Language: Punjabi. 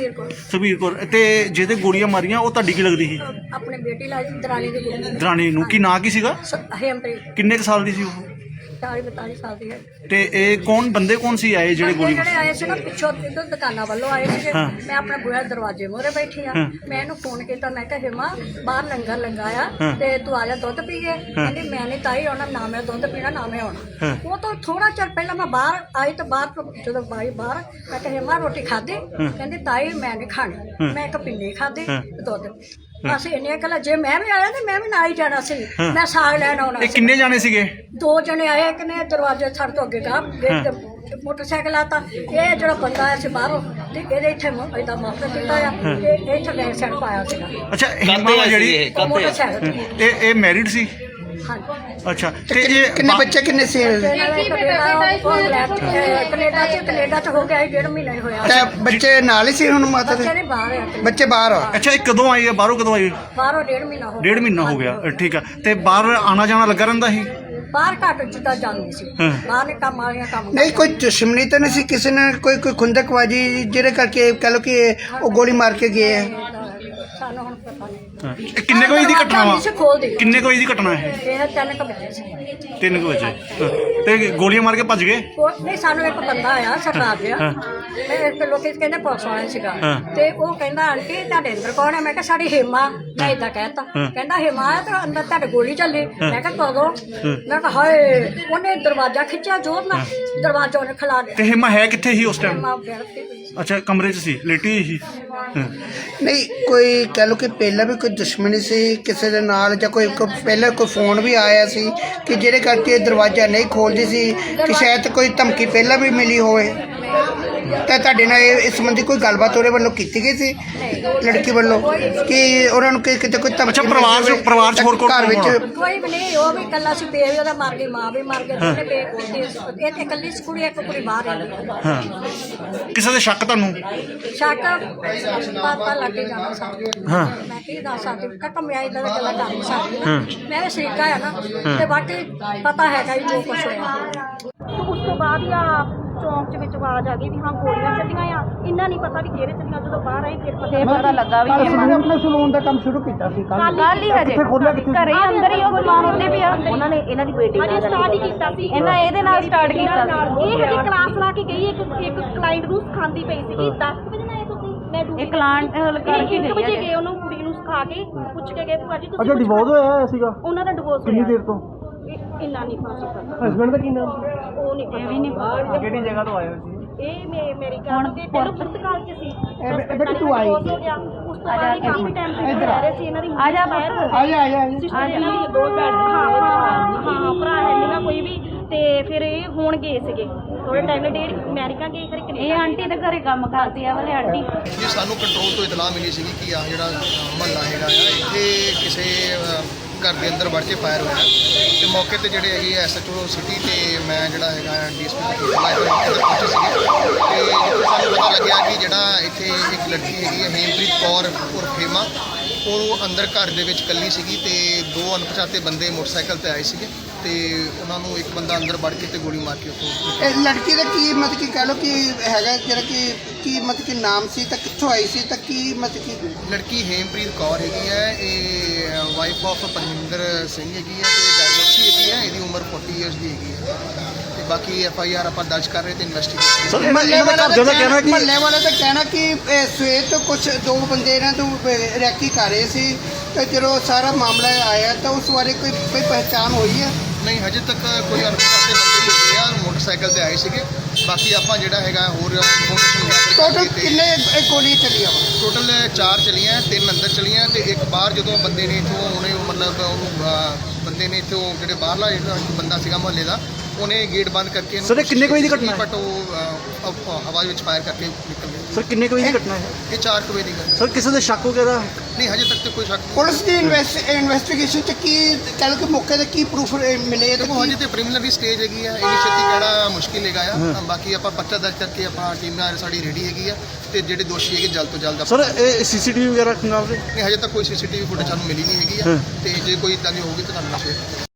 ਸੁਖਬੀਰ ਕੌਰ ਤੇ ਜਿਹਦੇ ਗੋਲੀਆਂ ਮਾਰੀਆਂ ਉਹ ਤੁਹਾਡੀ ਕੀ ਲੱਗਦੀ ਸੀ? अपने बेटी लाई दरानी की कुड़ी ਦਰਾਣੀ ਨੂੰ ਕੀ ਨਾਂ ਕੀ ਸੀਗਾ? हेमप्रीत ਕਿੰਨੇ ਕੁ ਸਾਲ ਦੀ ਸੀ ਉਹ? 40-42 साल की है। ਤੇ ਇਹ ਕੌਣ ਬੰਦੇ ਕੌਣ ਸੀ ਆਏ ਜਿਹੜੇ ਗੋਲੀ ਜਿਹੜੇ ਆਏ ਸੀ ਨਾ ਪਿੱਛੋਂ ਇੱਧਰ ਦੁਕਾਨਾਂ ਵੱਲੋਂ ਆਏ ਸੀਗੇ। ਮੈਂ ਆਪਣੇ ਬੂਹੇ ਦਰਵਾਜ਼ੇ ਮੂਹਰੇ ਬੈਠੀ ਆ। ਮੈਂ ਇਹਨੂੰ ਫੋਨ ਕੀਤਾ, ਮੈਂ ਕਿਹਾ ਹਿਮਾ ਬਾਹਰ ਲੰਗਰ ਲੰਗਾਇਆ ਤੇ ਤੂੰ ਆ ਜਾ ਦੁੱਧ ਪੀਏ। ਕਹਿੰਦੀ ਮੈਂ ਨਹੀਂ ਤਾਈ ਆਉਣਾ, ਨਾ ਮੈਂ ਦੁੱਧ ਪੀਣਾ ਨਾ ਮੈਂ ਆਉਣਾ। ਉਹ ਤੋਂ ਥੋੜਾ ਚਿਰ ਪਹਿਲਾਂ ਮੈਂ ਬਾਹਰ ਆਈ ਤਾਂ ਬਾਹਰ ਤੋਂ ਜਦੋਂ ਬਾਈ ਬਾਹਰ ਮੈਂ ਕਿਹਾ ਹਿਮਾ ਰੋਟੀ ਖਾਧੀ? ਕਹਿੰਦੀ ਤਾਈ ਮੈਂ ਨਹੀਂ ਖਾਣੀ। ਮੈਂ ਇੱਕ ਪਿੰਨੀ ਖਾਧੀ ਦੁੱਧ। ਅਸੀਂ ਇੰਨੀਆਂ ਗੱਲਾਂ, ਜੇ ਮੈਂ ਵੀ ਆਇਆ ਤੇ ਮੈਂ ਵੀ ਨਾਲ ਹੀ ਜਾਣਾ ਸੀ। ਮੈਂ ਸਾਗ ਲੈਣ ਆਉਣਾ ਇਹ ਸੀ। ਕਿੰਨੇ ਜਾਣੇ ਸੀਗੇ? 2 ਜਣੇ ਆਏ, ਇੱਕ ਨੇ ਦਰਵਾਜ਼ੇ ਛੱਡ ਤੋਂ ਅੱਗੇ ਗਾ ਗੇਟ ਤੇ ਮੋਟਰਸਾਈਕਲ ਆਤਾ। ਇਹ ਜਿਹੜਾ ਬੰਦਾ ਆਇਆ ਸੀ ਬਾਹਰੋਂ ਤੇ ਇਹਦੇ ਇੱਥੇ ਏਦਾਂ ਮਾਫਰ ਕੀਤਾ ਆ ਤੇ ਇੱਥੇ ਬੈਕ ਸਾਈਡ ਪਾਇਆ ਸੀਗਾ। ਅੱਛਾ ਹਿਮਾ ਜਿਹੜੀ ਮੋਟਰਸਾਈਕਲ ਤੇ। ਇਹ ਮੈਰਿਡ ਸੀ? ਹਾਂਜੀ। ਅੱਛਾ ਤੇ ਇਹ ਕਿੰਨੇ ਬੱਚੇ ਕਿੰਨੇ ਸੀ? ਕੈਨੇਡਾ ਚ ਹੋ ਗਿਆ 1.5 ਮਹੀਨਾ ਹੀ ਹੋਇਆ। ਤੇ ਬੱਚੇ ਨਾਲ ਹੀ ਸੀ ਹੁਣ ਮਾਤਾ ਦੇ? ਬੱਚੇ ਨੇ ਬਾਹਰ ਆ, ਬੱਚੇ ਬਾਹਰ ਆ? ਅੱਛਾ ਇਹ ਕਦੋਂ ਆਈ ਹੈ? ਬਾਹਰੋਂ ਕਦੋਂ ਆਈ? ਬਾਹਰੋਂ 1.5 ਮਹੀਨਾ ਹੋ ਗਿਆ। 1.5 ਮਹੀਨਾ ਹੋ ਗਿਆ। ਠੀਕ ਆ। ਤੇ ਬਾਹਰ ਆਣਾ ਜਾਣਾ ਲੱਗਾ ਰਹਿੰਦਾ ਸੀ? ਬਾਹਰ ਘੱਟ ਜਿੱਦਾਂ ਜਾਂਦੀ ਸੀ। ਬਾਹਰ ਨੇ ਕੰਮ ਵਾਲੀਆਂ ਕੰਮ ਨਹੀਂ ਕੋਈ ਦੁਸ਼ਮਣੀ ਤਾਂ ਨਹੀਂ ਸੀ ਕਿਸੇ ਨੇ? ਕੋਈ ਖੁੰਦਕਬਾਜੀ ਜਿਹੜੇ ਕਰਕੇ ਕਹ ਲਓ ਕਿ ਉਹ ਗੋਲੀ ਮਾਰ ਕੇ ਗਏ ਆ? ਸਾਨੂੰ ਹੁਣ ਪਤਾ ਨਹੀਂ। ਇਹ ਕਿੰਨੇ ਕੁ ਵਜੇ ਦੀ ਘਟਨਾ ਵਾ? ਖੋਲ ਦੇ ਕਿੰਨੇ ਕੁ ਵਜੇ ਦੀ ਘਟਨਾ ਹੈ? ਇਹ 3 ਵਜੇ ਸੀ। 3 ਵਜੇ। ਤੇ ਗੋਲੀਆਂ ਮਾਰ ਕੇ ਭੱਜ ਗਏ? ਨਹੀਂ, ਸਾਨੂੰ ਇੱਕ ਬੰਦਾ ਆਇਆ ਸਰਦਾਰ ਜਿਹਾ ਤੇ ਇੱਕ ਲੋਕੀ ਕਹਿੰਦੇ ਪੁਲਿਸ ਵਾਲਾ ਸੀਗਾ ਤੇ ਉਹ ਕਹਿੰਦਾ ਆਂਟੀ ਤੁਹਾਡੇ ਅੰਦਰ ਕੌਣ ਹੈ? ਮੈਂ ਕਿਹਾ ਸਾਡੀ ਹਿਮਾ। ਮੈਂ ਇਦਾਂ ਕਹਿਤਾ। ਕਹਿੰਦਾ ਹਿਮਾ ਹੈ ਤੇ ਅੰਦਰ ਤੁਹਾਡੇ ਗੋਲੀ ਚੱਲੀ। ਮੈਂ ਕਿਹਾ ਕਦੋਂ? ਮੈਂ ਕਿਹਾ ਹਾਏ। ਉਹਨੇ ਦਰਵਾਜ਼ਾ ਖਿੱਚਿਆ ਜ਼ੋਰ ਨਾਲ, ਦਰਵਾਜ਼ਾ ਉਹਨੇ ਖਿਲਾ ਤੇ ਦਿੱਤਾ। ਹਿਮਾ ਹੈ ਕਿੱਥੇ ਸੀ ਉਸ ਟਾਈਮ? ਹਿਮਾ ਬੈਠ ਕੇ ਪਈ ਸੀ। ਅੱਛਾ ਕਮਰੇ 'ਚ ਸੀ, ਲੇਟੀ ਹੋਈ ਸੀ? ਨਹੀਂ ਕੋਈ ਕਹ ਲਓ ਕਿ ਪਹਿਲਾਂ ਵੀ ਕੋਈ ਦੁਸ਼ਮਣੀ ਸੀ ਕਿਸੇ ਦੇ ਨਾਲ, ਜਾਂ ਕੋਈ ਪਹਿਲਾਂ ਕੋਈ ਫੋਨ ਵੀ ਆਇਆ ਸੀ ਕਿ ਜਿਹੜੇ ਕਰਕੇ ਦਰਵਾਜ਼ਾ ਨਹੀਂ ਖੋਲਦੀ ਸੀ, ਕਿ ਸ਼ਾਇਦ ਕੋਈ ਧਮਕੀ ਪਹਿਲਾਂ ਵੀ ਮਿਲੀ ਹੋਵੇ? ਤਾਂ ਤੁਹਾਡੇ ਨਾਲ ਇਸ ਸੰਬੰਧੀ ਕੋਈ ਗੱਲਬਾਤ ਉਹਦੇ ਵੱਲੋਂ ਕੀਤੀ ਗਈ ਸੀ ਲੜਕੀ ਵੱਲੋਂ ਕਿ ਉਹਨਾਂ ਨੂੰ ਕਿਤੇ ਕੋਈ ਧਮਕੀ? ਅੱਛਾ ਪਰਿਵਾਰ 'ਚ ਹੋਰ ਕੌਣ ਘਰ ਵਿੱਚ ਕੋਈ ਵੀ ਨਹੀਂ, ਉਹ ਵੀ ਇਕੱਲਾ ਸੀ। ਪੇ ਵੀ ਉਹਦਾ ਮਰ ਗਈ, ਮਾਂ ਵੀ ਮਰ ਗਈ। ਦੋਨੇ ਪੇ ਇਹ ਤੇ ਇਕੱਲੀ ਸੀ ਕੁੜੀ, ਇੱਕ ਕੁੜੀ ਬਾਹਰ ਹੈ। ਹਾਂ। ਕਿਸੇ ਦੇ ਸ਼ੱਕ ਤੁਹਾਨੂੰ? ਸ਼ੱਕ ਪਤਾ ਲੱਗ ਹੀ ਜਾਣਾ ਸਾਨੂੰ। ਮੈਂ ਕੀ ਦੱਸ ਸਕਦੀ, ਕਮਿਆਈ ਦਾ ਗੱਲਾਂ ਕਰ ਨਹੀਂ ਸਕਦੀ। ਮੈਂ ਵੀ ਸ਼ਰੀਕਾ ਆ ਨਾ ਤੇ ਬਾਕੀ ਪਤਾ ਹੈਗਾ ਹੀ ਜੋ ਕੁਛ ਹੋਇਆ। ਉਸ ਤੋਂ ਬਾਅਦ ਹੀ ਆ ਚੌਂਕ 'ਚ ਵਿੱਚ ਆਵਾਜ਼ ਆ ਗਈ ਵੀ ਹਾਂ ਗੋਲੀਆਂ ਚੱਲੀਆਂ ਆ। ਇੰਨਾ ਨਹੀਂ ਪਤਾ ਵੀ ਕਿਹੜੇ ਚੱਲੀਆਂ। ਜਦੋਂ ਬਾਹਰ ਆਏ ਫਿਰ ਪਤਾ ਲੱਗਾ ਵੀ ਆਪਣੇ ਸਲੂਨ ਦਾ ਕੰਮ ਸ਼ੁਰੂ ਕੀਤਾ ਸੀ ਕੱਲ ਹੀ ਹਜੇ ਘਰੇ ਹੀ ਅੰਦਰ ਹੀ ਉਹ ਸਮਾਨ ਉੱਤੇ ਪਿਆ। ਉਹਨਾਂ ਨੇ ਇਹਨਾਂ ਦੀ ਬੇਟੀ ਨਾਲ ਸਟਾਰਟ ਹੀ ਕੀਤਾ ਸੀ। ਇਹਨਾਂ ਇਹਦੇ ਨਾਲ ਸਟਾਰਟ ਕੀਤਾ ਸੀ। ਇਹ ਹਜੇ ਕਲਾਸ ਲਾ ਕੇ ਗਈ। ਇੱਕ ਕਲਾਇੰਟ ਨੂੰ ਸਿਖਾਉਂਦੀ ਪਈ ਸੀਗੀ। 10 ਵਜੇ ਨਾਲ ਆਏ ਤੁਸੀਂ? ਮੈਂ ਇੱਕ ਕਲਾਇੰਟ ਕਰਕੇ 1 ਵਜੇ ਗਏ ਉਹਨੂੰ ਕੁੜੀ ਨੂੰ ਸਿਖਾ ਕੇ ਪੁੱਛ ਕੇ ਗਏ ਭੂਆ ਜੀ ਤੁਸੀਂ? ਅੱਛਾ ਡਿਵੋਰਸ ਹੋਇਆ ਸੀਗਾ? ਉਹਨਾਂ ਦਾ ਡਿਵੋਰਸ ਕਿੰਨੀ ਦੇਰ ਤੋਂ? ਇੰਨਾ ਨਹੀਂ ਪਤਾ। ਹਸਬੈਂਡ ਦਾ ਕੀ ਨਾਮ? ਉਹ ਨਹੀਂ ਪਤਾ। ਵੀ ਨਹੀਂ। ਕਿਹੜੀ ਜਗ੍ਹਾ ਤੋਂ ਆਏ ਹੋ ਸੀ? ਇਹ ਮੇਰੀ ਗੱਲ ਤੇ ਪਹਿਲਾਂ ਪੁਰਤਗਾਲ ਚ ਸੀ। ਬੇਟੀ ਤੂੰ ਆਈ? ਉਸ ਤੋਂ ਬਾਅਦ ਹੀ ਕਾਫੀ ਟਾਈਮ ਤੇ ਰਹਿ ਰਹੇ ਸੀ। ਇਹਨਾਂ ਦੀ ਆ ਜਾ ਸਿਸਟਰ ਇਹਨਾਂ ਦੀ 2 ਭੈਣ। ਹਾਂ ਭਰਾ ਹੈ ਮੇਰਾ ਕੋਈ ਵੀ। ਤੇ ਫਿਰ ਇਹ ਹੁਣ ਗਏ ਸੀਗੇ ਥੋੜੇ ਟਾਈਮ ਲਈ ਅਮਰੀਕਾ ਗਏ, ਫਿਰ ਕੈਨੇਡਾ। ਇਹ ਆਂਟੀ ਦੇ ਘਰੇ ਕੰਮ ਕਰਦੀ ਆ ਵਾਲੇ ਆਂਟੀ ਜੀ। ਸਾਨੂੰ ਕੰਟਰੋਲ ਤੋਂ ਇਤਲਾਹ ਮਿਲੀ ਸੀਗੀ ਕਿ ਆ ਜਿਹੜਾ ਮਹੱਲਾ ਹੈਗਾ ਆ ਇੱਥੇ ਕਿਸੇ ਘਰ ਦੇ ਅੰਦਰ ਵੜ ਕੇ ਫਾਇਰ ਹੋਇਆ ਤੇ ਮੌਕੇ ਤੇ ਜਿਹੜੇ ਹੈਗੇ ਐਸਐਚਓ ਸਿਟੀ ਤੇ ਮੈਂ ਜਿਹੜਾ ਹੈਗਾ ਡੀਐਸਪੀ ਪਹੁੰਚੇ ਸੀਗੇ ਤੇ ਜਿੱਥੇ ਸਾਨੂੰ ਪਤਾ ਲੱਗਿਆ ਕਿ ਜਿਹੜਾ ਇੱਥੇ ਇੱਕ ਲੜਕੀ ਹੈਗੀ ਹੈ ਹੇਮਪ੍ਰੀਤ ਕੌਰ ਉਰਫ ਹੇਮਾ, ਉਹ ਅੰਦਰ ਘਰ ਦੇ ਵਿੱਚ ਇਕੱਲੀ ਸੀਗੀ ਤੇ 2 ਅਣਪਛਾਤੇ ਬੰਦੇ ਮੋਟਰਸਾਈਕਲ ਤੇ ਆਏ ਸੀਗੇ ਤੇ ਉਹਨਾਂ ਨੂੰ ਇੱਕ ਬੰਦਾ ਅੰਦਰ ਵੜ ਕੇ ਤੇ ਗੋਲੀ ਮਾਰ ਕੇ ਉੱਥੋਂ। ਇਹ ਲੜਕੀ ਦਾ ਕੀ ਮਤਲਬ ਕਿ ਕਹ ਲਓ ਕਿ ਹੈਗਾ ਜਿਹੜਾ ਕਿ ਕੀ ਮਤਲਬ ਕਿ ਨਾਮ ਸੀ ਤਾਂ ਕਿੱਥੋਂ ਆਈ ਸੀ ਤਾਂ ਕੀ ਮਤਲਬ ਕਿ? ਲੜਕੀ ਹੇਮਪ੍ਰੀਤ ਕੌਰ ਹੈਗੀ ਹੈ। ਇਹ ਵਾਈਫ ਆਫ ਪਰਮਿੰਦਰ ਸਿੰਘ ਹੈਗੀ ਹੈ ਤੇ ਡਾਇਵੋਰਸੀ ਹੈਗੀ ਹੈ। ਇਹਦੀ ਉਮਰ 40 ਇਅਰਸ ਦੀ ਹੈਗੀ ਹੈ ਤੇ ਬਾਕੀ ਐਫਆਈਆਰ ਆਪਾਂ ਦਰਜ ਕਰ ਰਹੇ ਤੇ ਇਨਵੈਸਟੀਗੇਸ਼ਨ। ਮਹੱਲੇ ਵਾਲਾ ਤਾਂ ਕਹਿਣਾ ਕਿ ਸਵੇਰ ਤੋਂ ਕੁਝ 2 ਬੰਦੇ ਇਹਨਾਂ ਤੋਂ ਰੈਕੀ ਕਰ ਰਹੇ ਸੀ ਤੇ ਜਦੋਂ ਸਾਰਾ ਮਾਮਲਾ ਆਇਆ ਤਾਂ ਉਸ ਬਾਰੇ ਕੋਈ ਪਹਿਚਾਣ ਹੋਈ ਹੈ? ਨਹੀਂ ਹਜੇ ਤੱਕ ਕੋਈ ਅਣਪਛਾਤੇ ਬੰਦੇ ਹੀ ਹੈਗੇ ਆ, ਮੋਟਰਸਾਈਕਲ ਤੇ ਆਏ ਸੀਗੇ। ਬਾਕੀ ਆਪਾਂ ਜਿਹੜਾ ਹੈਗਾ ਹੋਰ ਇਨਫੋਰਮੇਸ਼ਨ ਟੋਟਲ ਕਿੰਨੇ ਗੋਲੀਆਂ ਚੱਲੀਆਂ ਵਾ? ਟੋਟਲ 4 ਚਲੀਆਂ, 3 ਅੰਦਰ ਚਲੀਆਂ ਤੇ ਇੱਕ ਬਾਹਰ ਜਦੋਂ ਬੰਦੇ ਨੇ ਇੱਥੋਂ ਉਹਨੇ ਮਤਲਬ ਉਹਨੂੰ ਬੰਦੇ ਨੇ ਇੱਥੋਂ ਜਿਹੜੇ ਬਾਹਰਲਾ ਜਿਹੜਾ ਬੰਦਾ ਸੀਗਾ ਮੁਹੱਲੇ ਦਾ, ਉਹਨੇ ਗੇਟ ਬੰਦ ਕਰਕੇ ਸਰ ਕਿੰਨੇ ਵਜੇ ਦੀ ਘਟਨਾ ਹੈ? ਬਟ ਉਹ ਹਵਾ ਵਿੱਚ ਫਾਇਰ ਕਰਕੇ ਨਿਕਲ ਗਏ। ਸਰ ਕਿੰਨੇ ਵਜੇ ਦੀ ਘਟਨਾ ਹੈ? ਇਹ 4 ਵਜੇ ਦੀ ਗੱਲ। ਸਰ ਕਿਸੇ ਦੇ ਸ਼ੱਕ ਵਗੈਰਾ? ਨਹੀਂ ਹਜੇ ਤੱਕ ਤੇ ਕੋਈ ਸ਼ੱਕ ਨਹੀਂ। ਪੁਲਿਸ ਦੀ ਇਨਵੈਸਟੀਗੇਸ਼ਨ ਚ ਕੀ ਕਹਿ ਲਓ ਕਿ ਮੌਕੇ ਤੇ ਕੀ ਪ੍ਰੂਫ ਮਿਲੇ? ਦੇਖੋ ਹਜੇ ਤੇ ਪ੍ਰੀਲਿਮਿਨਰੀ ਸਟੇਜ ਹੈਗੀ ਆ, ਇੰਨੀ ਛੇਤੀ ਕਹਿਣਾ ਮੁਸ਼ਕਿਲ ਹੈਗਾ ਆ। ਬਾਕੀ ਆਪਾਂ ਪਰਚਾ ਦਰਜ ਕਰਕੇ ਆਪਣਾ ਟੀਮ ਨਾਲ ਸਾਡੀ ਰੈਡੀ ਹੈਗੀ ਆ ਤੇ ਜਿਹੜੇ ਦੋਸ਼ੀ ਹੈਗੇ ਜਲਦ ਤੋਂ ਜਲਦ ਸਰ ਇਹ ਸੀਸੀਟੀਵੀ ਵਗੈਰਾ ਖੰਗਾਲ ਰਹੇ? ਨਹੀਂ ਹਜੇ ਤੱਕ ਕੋਈ ਸੀਸੀਟੀਵੀ ਫੁਟੇਜ ਸਾਨੂੰ ਮਿਲੀ ਨਹੀਂ ਹੈਗੀ ਆ ਤੇ ਜੇ ਕੋਈ ਇਦਾਂ ਦੀ ਹੋਊਗੀ ਤਾਂ ਤੁਹਾਨੂੰ ਸ਼ੇਅਰ